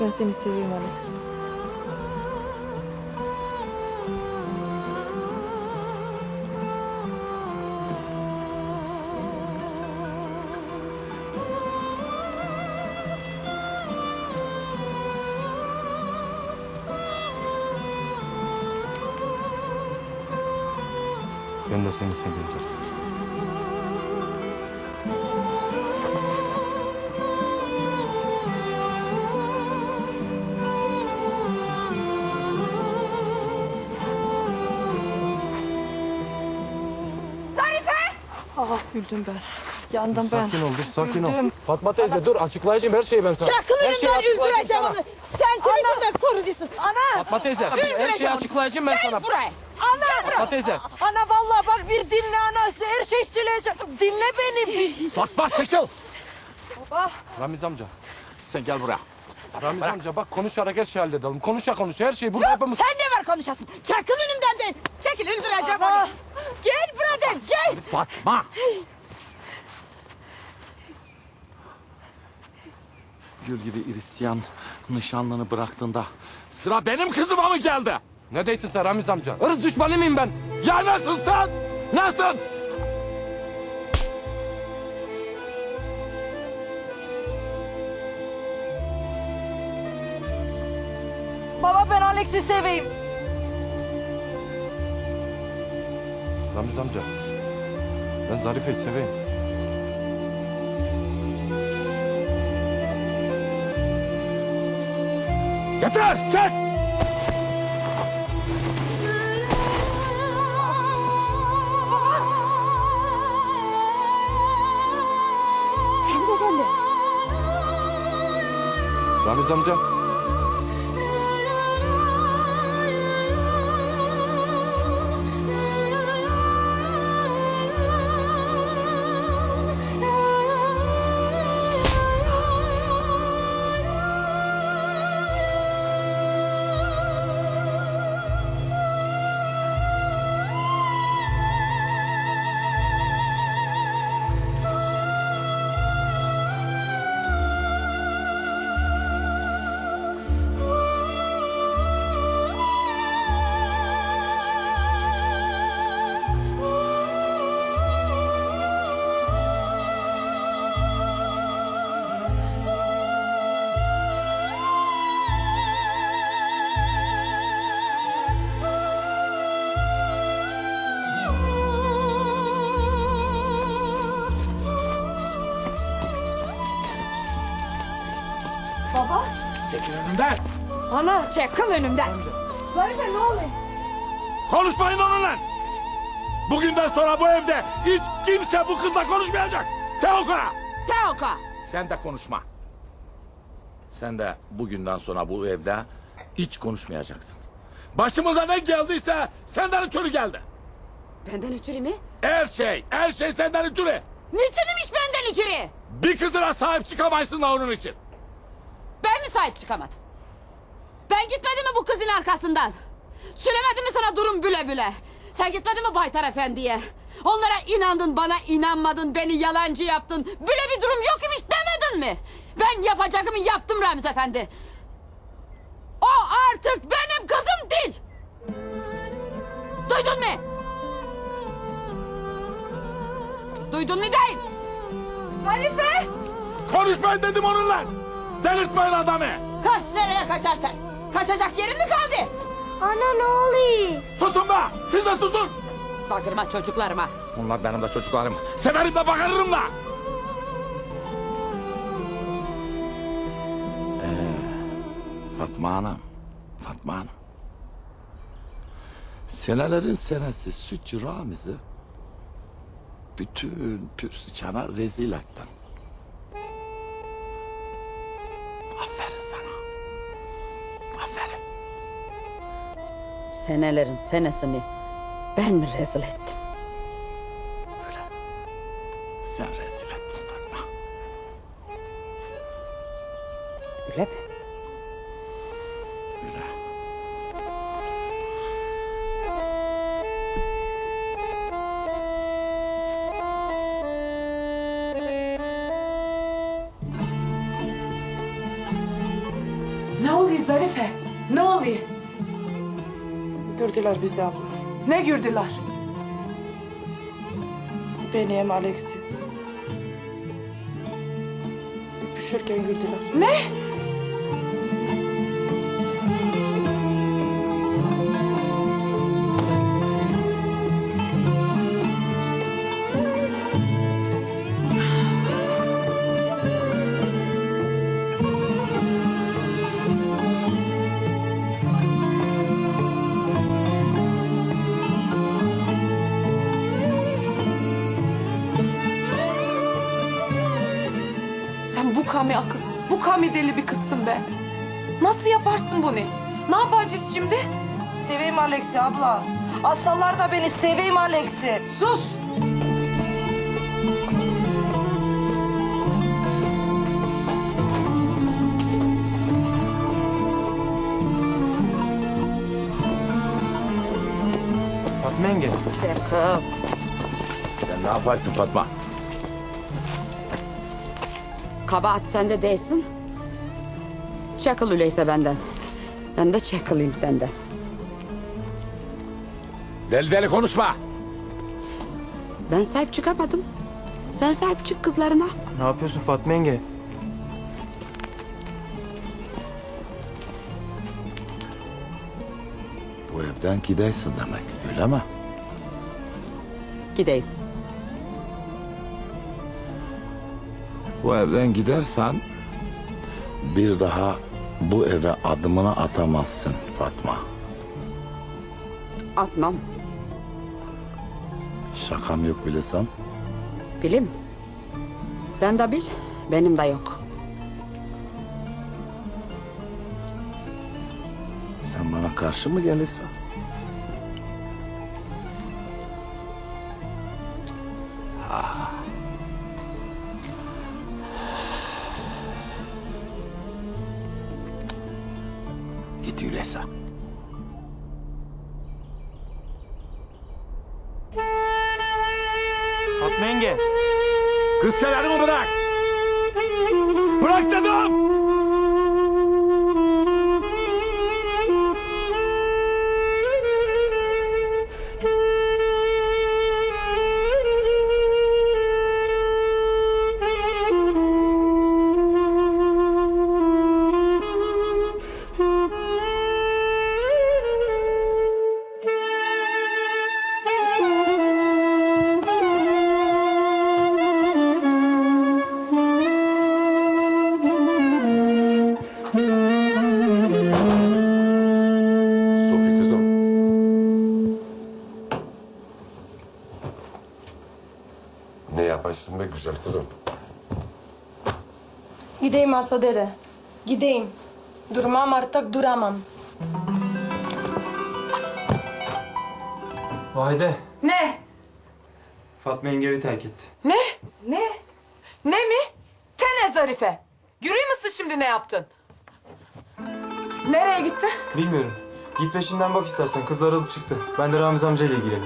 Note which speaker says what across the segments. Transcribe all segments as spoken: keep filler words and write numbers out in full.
Speaker 1: Ben seni seviyorum Alex.
Speaker 2: Ben de seni seviyorum.
Speaker 1: Ah güldüm ben. Yandım ben.
Speaker 2: Sakin ol, dur, sakin ol.
Speaker 1: Güldüm.
Speaker 2: Fatma teyze dur, açıklayacağım her şeyi ben sana.
Speaker 3: Çakıl
Speaker 2: Her şeyi
Speaker 3: önümden
Speaker 2: açıklayacağım
Speaker 3: öldüreceğim
Speaker 2: sana.
Speaker 3: onu. Sen Twitter'da kurucusun.
Speaker 1: Ana!
Speaker 2: Fatma teyze, her şeyi
Speaker 3: Öldüreceğim onu.
Speaker 2: açıklayacağım ben sana.
Speaker 3: Gel buraya.
Speaker 1: Ana!
Speaker 2: Fatma teyze.
Speaker 1: Ana vallahi bak bir dinle ana. Her şey söyleyeceğim. Dinle beni.
Speaker 2: Fatma çekil.
Speaker 1: Baba.
Speaker 2: Ramiz amca.
Speaker 4: Sen gel buraya.
Speaker 2: Ramiz amca bak konuşarak her şeyi halledelim. Konuşa konuşa her şeyi burada yapalım.
Speaker 3: Sen ne var konuşasın? Çakıl önümden de. Çekil öldüreceğim
Speaker 1: Ana.
Speaker 3: onu. Gel burada gel.
Speaker 4: Fatma! Gül gibi Hristiyan nişanlını bıraktığında sıra benim kızıma mı geldi?
Speaker 2: Ne değilsin sen Ramiz amca? Irz düşmanı mıyım ben?
Speaker 4: Ya nasıl sen? Nasıl?
Speaker 1: Baba ben Alex'i seveyim.
Speaker 2: Ramiz amca. Ben Zarife'yi seveyim.
Speaker 4: Yeter! Kes!
Speaker 3: Ramiz efendi.
Speaker 2: Ramiz amca.
Speaker 3: Baba.
Speaker 4: Çekil önümden!
Speaker 3: Ana. Çakıl önümden. Zarife ne oluyor?
Speaker 4: Konuşmayın onunla! Bugünden sonra bu evde hiç kimse bu kızla konuşmayacak! Teoka!
Speaker 3: Teoka.
Speaker 4: Sen de konuşma. Sen de bugünden sonra bu evde hiç konuşmayacaksın. Başımıza ne geldiyse senden ötürü geldi.
Speaker 3: Benden ötürü mü?
Speaker 4: Her şey, her şey senden ötürü.
Speaker 3: Niçinmiş benden ötürü?
Speaker 4: Bir kızına sahip çıkamaysın da onun için.
Speaker 3: Ben mi sahip çıkamadım? Ben gitmedim mi bu kızın arkasından? Söylemedim mi sana durum büle büle? Sen gitmedin mi Baytar Efendi'ye? Onlara inandın, bana inanmadın, beni yalancı yaptın. Böyle bir durum yok imiş demedin mi? Ben yapacağımı yaptım Ramiz Efendi. O artık benim kızım değil. Duydun mu? Duydun mu değil? Zarife!
Speaker 4: Konuşmayın dedim onunla. Delirtmeyin adamı.
Speaker 3: Kaç nereye kaçarsan? Kaçacak yerin mi kaldı?
Speaker 5: Ana ne oluyor?
Speaker 4: Susun be. Siz de susun.
Speaker 3: Bakırma çocuklarıma.
Speaker 4: Bunlar benim de çocuklarım. Severim de bakarırım da. Ee, Fatma Hanım. Fatma Hanım. Senelerin senesi Sütçü Ramiz'i bütün Pürsüçan'a rezil ettin. Aferin sana. Aferin.
Speaker 3: Senelerin senesini ben mi rezil ettim?
Speaker 4: Öyle. Sen rezil ettin Fatma.
Speaker 3: Öyle mi?
Speaker 4: Öyle.
Speaker 6: Zarife? Ne oluyor?
Speaker 1: Gördüler bizi abla.
Speaker 6: Ne gördüler?
Speaker 1: Beni hem Alex'i. Öpüşürken gördüler.
Speaker 6: Ne? Sen bu kami akılsız, bu kami deli bir kızsın be. Nasıl yaparsın bunu? Ne yapacağız şimdi?
Speaker 1: Seveyim Alex'i abla. Aslanlar da beni seveyim Alex'i.
Speaker 6: Sus!
Speaker 2: Fatma yenge.
Speaker 4: Sen ne yaparsın Fatma?
Speaker 3: Kabahat sende değilsin. Çakıl öyleyse benden. Ben de çakılayım senden.
Speaker 4: Deli deli konuşma.
Speaker 3: Ben sahip çıkamadım. Sen sahip çık kızlarına.
Speaker 2: Ne yapıyorsun Fatma yenge?
Speaker 4: Bu evden gidersin demek, öyle mi?
Speaker 3: Gideyim.
Speaker 4: Bu evden gidersen bir daha bu eve adımını atamazsın Fatma.
Speaker 3: Atmam.
Speaker 4: Şakam yok bilesem.
Speaker 3: Bilim. Sen de bil. Benim de yok.
Speaker 4: Sen bana karşı mı gelirsin? Ha. Git öyleyse.
Speaker 2: Fatma yenge.
Speaker 4: Kız sen elimi bırak! Bırak dedim!
Speaker 7: Sofi kızım. Ne yaparsın be güzel kızım?
Speaker 8: Gideyim Ata dede. Gideyim. Durmam artık duramam.
Speaker 2: Vahide.
Speaker 6: Ne?
Speaker 2: Fatma yenge evi terk etti.
Speaker 6: Ne? Ne? Ne mi? Tene Zarife. Görüyor musun şimdi ne yaptın? Nereye gitti?
Speaker 2: Bilmiyorum. Git peşinden bak istersen. Kızlar alıp çıktı. Ben de Ramiz amcayla ilgileneyim.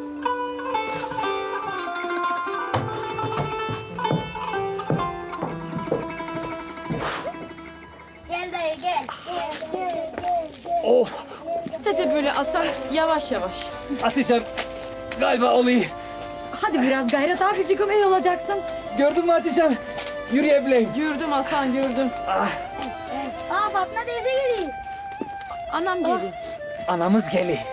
Speaker 5: Gel dayı gel. Gel gel gel.
Speaker 9: Dede böyle Hasan yavaş yavaş.
Speaker 10: Atişan galiba olayı.
Speaker 9: Hadi biraz gayret abicim iyi olacaksın.
Speaker 10: Gördün mü Atişan? Yürüyebileyim.
Speaker 9: Gördüm Hasan gördüm.
Speaker 5: Aa Fatma teyze geliyor.
Speaker 9: Anam geliyor.
Speaker 10: Anamız geli.